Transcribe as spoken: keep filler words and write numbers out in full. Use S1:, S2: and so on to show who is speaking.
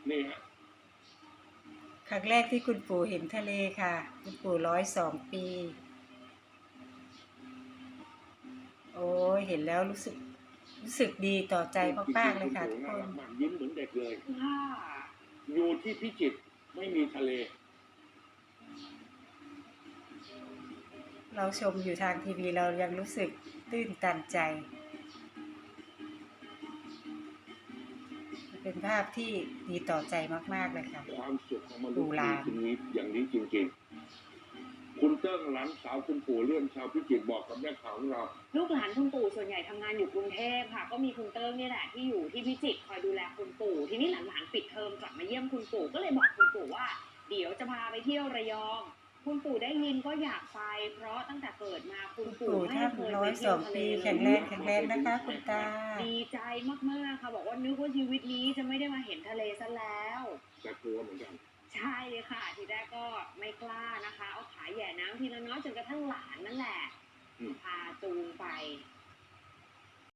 S1: นี่ฮะ
S2: ครั้งแรกที่คุณปู่เห็นทะเลค่ะคุณปู่ร้อยสองปีโอ้ยเห็นแล้วรู้สึกรู้สึกดีต่อใจมากๆเลยค่ะทุกคน
S1: น่ารักมากยิ้มเหมือนเด็กเลยถ้าอยู่ที่พิจิตรไม่มีทะเล
S2: เราชมอยู่ทางทีวีเรายังรู้สึกตื้นตันใจเป็นภาพที่ดีต่อใจมากๆเลยค่ะ
S1: ความสุขของมนุษ
S2: ปู่
S1: ย์
S2: ลา
S1: มีนี้อย่างนี้จริงๆคุณเติ้งหลานสาวคุณปู่เลื่อนชาวพิจิตรบอกกับแม่ข่าวของเรา
S3: ลูกหลานคุณปู่ส่วนใหญ่ทำงานอยู่กรุงเทพค่ะก็มีคุณเติ้งนี่แหละที่อยู่ที่พิจิตรคอยดูแลคุณปู่ทีนี้หลานๆปิดเทอมกลับมาเยี่ยมคุณปู่ก็เลยบอกคุณปู่ว่าเดี๋ยวจะพาไปเที่ยวระยองคุณปู่ได้ยินก็อยากไปเพราะตั้งแต่เกิดมาคุณปู่ไม่เคยไปเที่ยวทะเลเลย
S2: แข็งแรงแข็งแรงนะคะคุณตา
S3: ดีใจมากๆค่ะบอกว่านึกว่าชีวิตนี้จะไม่ได้มาเห็นทะเลซะแล้ว
S1: แต่กลัวเหมือนกัน
S3: ใช่ค่ะทีแรกก็ไม่กล้านะคะเอาขาแหย่น้ำทีละน้อยจนกระทั่งหลานนั่นแหละพาจูงไป